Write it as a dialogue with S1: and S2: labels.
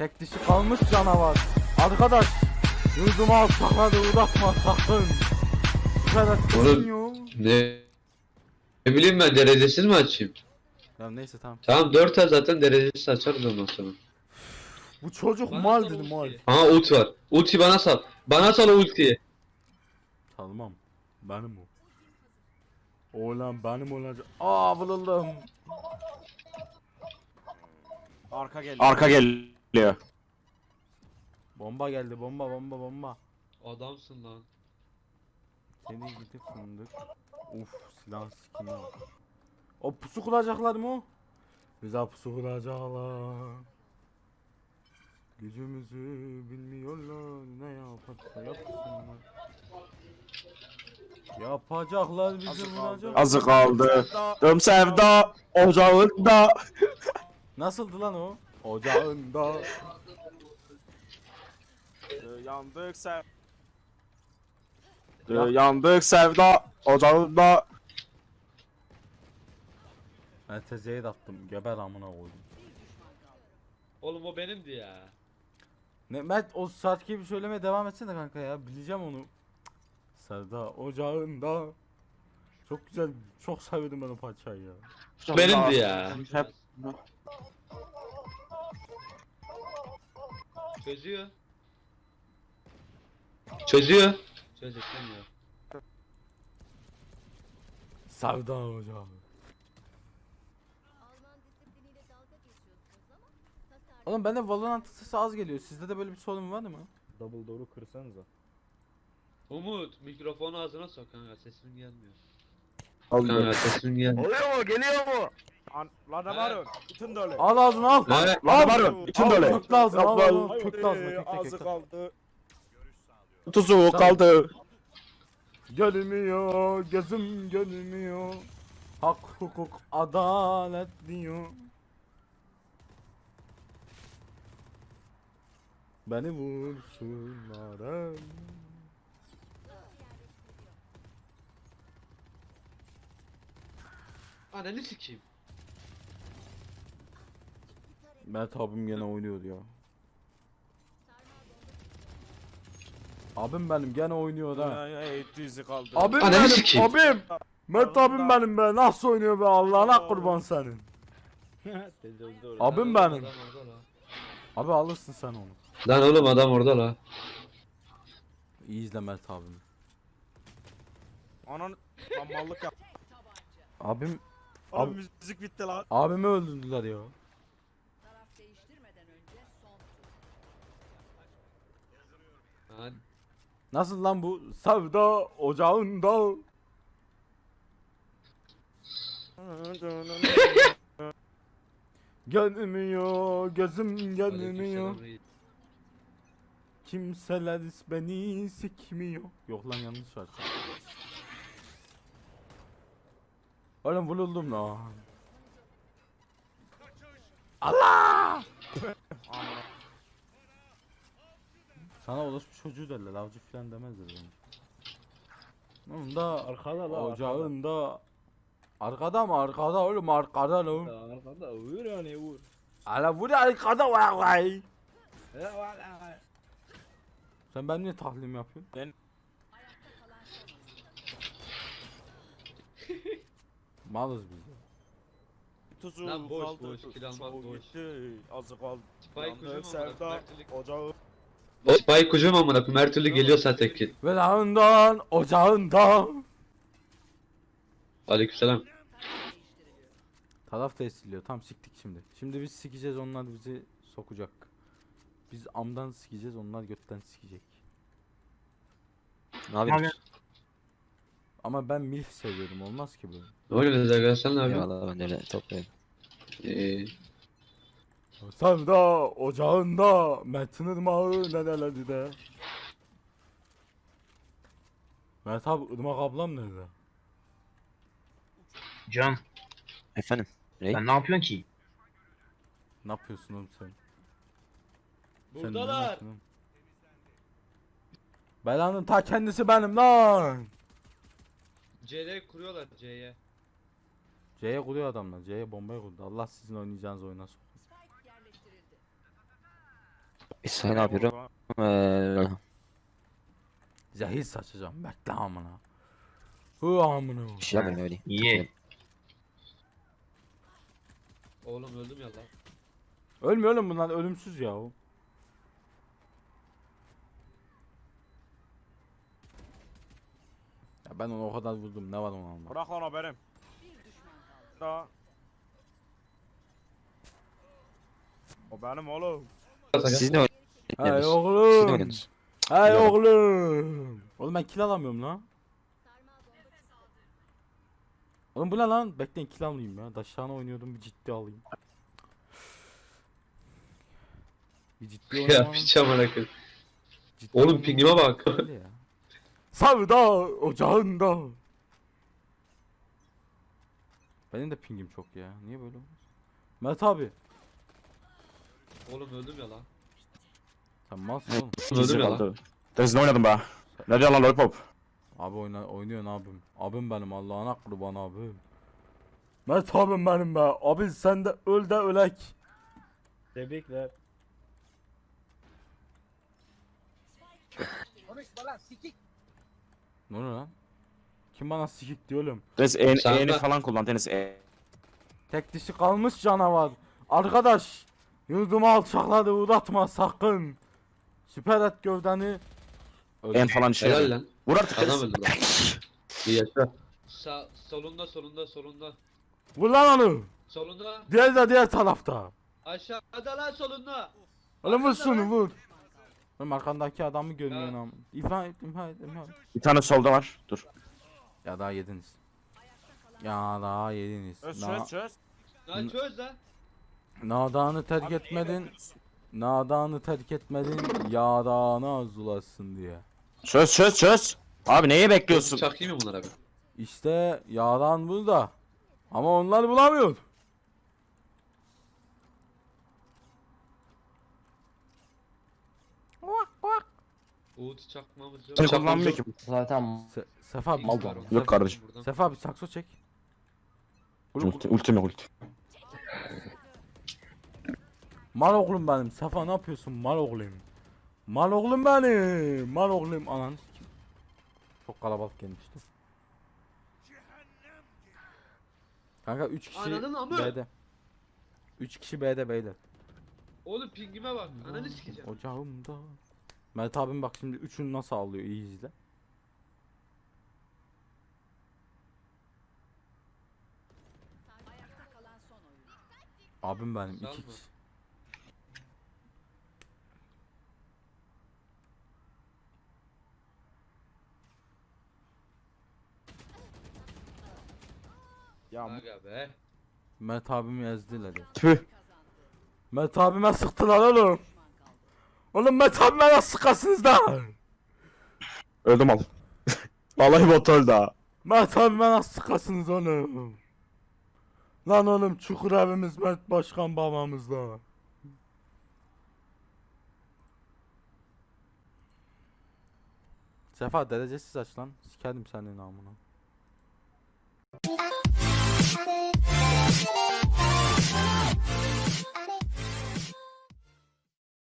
S1: Tek dişi kalmış canavar. Arkadaş yurduma sakladı uzatma sakın. Bu kadar
S2: Oğlum ne bileyim ben derecesiz mi açayım?
S1: Ya neyse tamam.
S2: Tamam 4 ay zaten derecesiz açarız ondan sonra.
S1: Bu çocuk
S3: Bana
S1: mal
S3: sal
S1: dedi mal.
S3: ultiyi.
S2: Aha ult var. Ulti bana sal. Bana sal o ultiyi.
S1: Salmam. Benim o. Oğlan benim olacak. Aa vuruldum.
S4: Arka geliyor.
S1: Bomba geldi bomba.
S2: Adamsın lan.
S1: Seni gidip fındık. Uf silah sikine bak. O pusu kuracaklar mı o? Bize pusu kuracaklar. Gücümüzü bilmiyorlar ne yaparsa yapsınlar. Yapacaklar bizi vuracak.
S4: Azı kaldı. Tüm sevda ocağında.
S1: Nasıldı lan o? Ocağında.
S4: Yandık sev. Yandık sevda ocağında.
S1: Ben tezeye de attım. Geber amına koydum.
S3: Oğlum o benimdi ya.
S1: Ne Mert o şarkı gibi söylemeye devam etsene kanka ya. Bileceğim onu. Cık. Sevda ocağında. Çok güzel. Çok sevdim ben o parçayı ya.
S2: Benimdi ya.
S4: Hep
S3: Çözüyor.
S2: Çözüyor.
S3: Çözemiyor.
S1: Sevda ocağı.
S5: Alman disipliniyle dalga geçiyorsunuz ama tasarruf
S1: Oğlum bende Valorant sesi az geliyor. Sizde de böyle bir sorun var mı?
S6: Double door'u kırsanıza.
S3: Umut mikrofonu ağzına sok kanka sesin gelmiyor.
S2: Kanka sesin geldi.
S4: oluyor mu? Geliyor mu? Lan
S3: ne var?
S4: Bütün dolu.
S1: Al ağzını al.
S2: Ne?
S4: Lan var. Bütün dolu.
S1: Kökle ağzını al.
S4: Al,
S1: al. Kökle ağzını. Kökle.
S4: kaldı. Tuzu kaldı.
S1: Gelmiyor, gözüm gelmiyor. Hak, hukuk, adalet diyor. Beni vursunlar.
S3: Ananı sikeyim.
S1: Mert abim gene oynuyor ya. Abim benim gene oynuyor ha.
S4: Tuzu kaldı.
S1: Abim
S2: Ananı
S1: benim,
S2: sikeyim.
S1: abim. Mert abim benim be. Nasıl oynuyor be Allah'ına kurban senin.
S6: Tecavüzde orada.
S1: Abim benim.
S3: Adam orada lan.
S1: Abi alırsın sen onu.
S2: Lan oğlum adam orada la.
S1: İyi izle Mert abimi.
S4: Anan mallık yap.
S1: Abim,
S4: Abi müzik bitti lan.
S1: abimi öldürdüler ya.
S5: taraf değiştirmeden önce son
S3: Lan
S1: Nasıl lan bu? Sevda ocağında. Gelmiyor, gözüm gelmiyor.
S3: aleykümselam reis.
S1: Kimseler beni sikmiyor. Yok lan yanlış şarkı. Oğlum vuruldum lan. Allah! Sana orospu çocuğu derler, avcı falan demezler bence. Onun da
S6: Arkada la.
S1: ocağında. Arkada mı? Arkada oğlum arkada lan.
S6: Arkada vur yani vur.
S1: Ala bu da arkada vay vay.
S6: Ya valla.
S1: Sen ben niye tahlim yapıyorsun? Malız biz ya.
S4: Tuzu
S3: Lan boş,
S4: kaldı.
S3: boş, kill almak
S4: Çoğu
S3: boş.
S4: gitti. Azı kaldı.
S3: Spike
S4: Yandık
S3: ucum
S4: sevda
S3: ama
S4: ocağı.
S2: O Spike kucum amına koyayım her türlü geliyor zaten ki.
S1: Ve lağından ocağından.
S2: Aleykümselam.
S1: Taraf tesirliyor. Tam siktik şimdi. Şimdi biz sikeceğiz onlar bizi sokacak. Biz amdan sikeceğiz onlar götten sikecek.
S4: Ne yapıyorsun?
S1: Ama ben milf seviyorum olmaz ki bu.
S2: Ne oluyor Zagar sen ne yapıyorsun?
S4: Eyvallah ben de öyle toplayayım.
S1: Sevda ocağında Mert'in ırmağı nerelerde de. Mert abi ırmak ablam nerede?
S7: Can,
S4: Efendim?
S7: sen ne yapıyorsun ki?
S1: Ne yapıyorsun oğlum sen? Sen ne
S3: Buradalar.
S1: yapıyorsun oğlum? Belanın ta kendisi benim lan.
S3: C'de kuruyorlar C'ye.
S1: C'ye kuruyor adamlar. C'ye bombayı kurdu. Allah sizin oynayacağınız oyuna soksun.
S5: spike yerleştirildi.
S4: İsmail ne yapıyorum?
S1: Zehir saçacağım. Bekle amına. Hı amına.
S4: şey yapmayın öyle.
S2: Ye.
S3: Oğlum öldüm ya lan.
S1: Ölmüyor oğlum bunlar ölümsüz ya. Ya ben onu o kadar vurdum. Ne var ona alma.
S4: Bırak lan o benim.
S5: Bir düşman kaldı.
S4: Da. O benim oğlum.
S2: Siz
S4: ne
S1: Hey
S4: Siz ne
S1: oğlum.
S4: oynuyorsunuz?
S1: Hey
S4: Ya.
S1: oğlum. Oğlum ben kill alamıyorum lan.
S5: Sarmal bomba çıktı.
S1: Oğlum bu ne lan? Bekleyin kill alayım ya. Daşağına oynuyordum bir ciddi alayım. Bir ciddi
S2: Ya
S1: oynamanın
S2: piç amına koyayım.
S1: ciddi
S2: Oğlum
S1: oynamanın
S2: pingime bak.
S1: öyle ya. Savda ocağında. Benim de pingim çok ya. Niye böyle olmuş? Mert abi.
S3: Oğlum öldüm ya lan.
S1: Sen malsın oğlum.
S2: Öldüm ya lan.
S4: Deniz ne oynadın be? Ne diyor lan lollipop?
S1: Abi oynuyorsun abim. Abim benim Allah'ına kurban abim. Mert abim benim be. Abi sen de öl de ölek.
S6: Tebrikler.
S1: Ne oluyor lan? Kim bana sikik diyor oğlum?
S4: Deniz
S2: Sen
S4: E'ni
S2: de-
S4: falan kullan Deniz
S1: Tek dişi kalmış canavar. Arkadaş. Yurdumu alçakladı uğratma sakın. Süper et gövdeni.
S4: En falan şey.
S2: Helal lan.
S4: Vur artık
S2: Adam
S4: Deniz.
S2: öldü lan. İyi yaşa.
S3: Solunda.
S1: Vur lan onu.
S3: Solunda.
S1: Diğer de diğer tarafta.
S3: Aşağıda lan solunda.
S1: Oğlum vur
S3: Arkanda
S1: şunu
S3: lan.
S1: vur. Oğlum arkandaki adamı görmüyorsun
S3: Ha.
S1: ama. İmha et.
S4: Bir tane solda var. Dur.
S1: Ya daha yediniz. Ya daha yediniz.
S4: çöz.
S3: Lan çöz lan.
S1: Nadanı terk etmedin. Nadanı terk etmedin. Yağdanı arzulasın diye.
S4: Çöz. Abi neye bekliyorsun?
S2: Çakayım mı bunlara ben?
S1: İşte yağdan burada. Ama onlar bulamıyor.
S3: Uğut çakmamız yok.
S4: Seni kullanmıyor ki.
S1: Sefa
S3: Mal var.
S4: Yok kardeşim.
S1: Sefa bir sakso çek.
S4: Ulti.
S1: Mal oğlum benim. Sefa ne yapıyorsun mal oğlum? Mal oğlum benim. Mal oğlum ananı sikeyim. Çok kalabalık gelmişti. Kanka 3 kişi
S3: Ananın amı.
S1: B'de. 3 kişi B'de beyler.
S3: Oğlum pingime bak. Ananı sikeceğim.
S1: Ocağımda. Mert abim bak şimdi üçünü nasıl alıyor iyi izle.
S5: Ayakta kalan son oyun.
S1: Abim benim
S3: Sağ ol
S1: 2
S3: mı?
S1: kişi.
S4: Ya
S3: Aga be.
S1: Mert abimi ezdiler ya.
S4: tüh.
S5: Kazandı.
S1: Mert abime sıktılar oğlum.
S5: Düşman kaldı.
S1: Oğlum Mert abime nasıl sıkasınız da?
S4: Öldüm al. Vallahi bot öldü ha.
S1: Mert abime nasıl sıkasınız oğlum? Lan oğlum çukur evimiz Mert Başkan babamızda. Sefa derecesiz aç lan. Sikerim senin namına.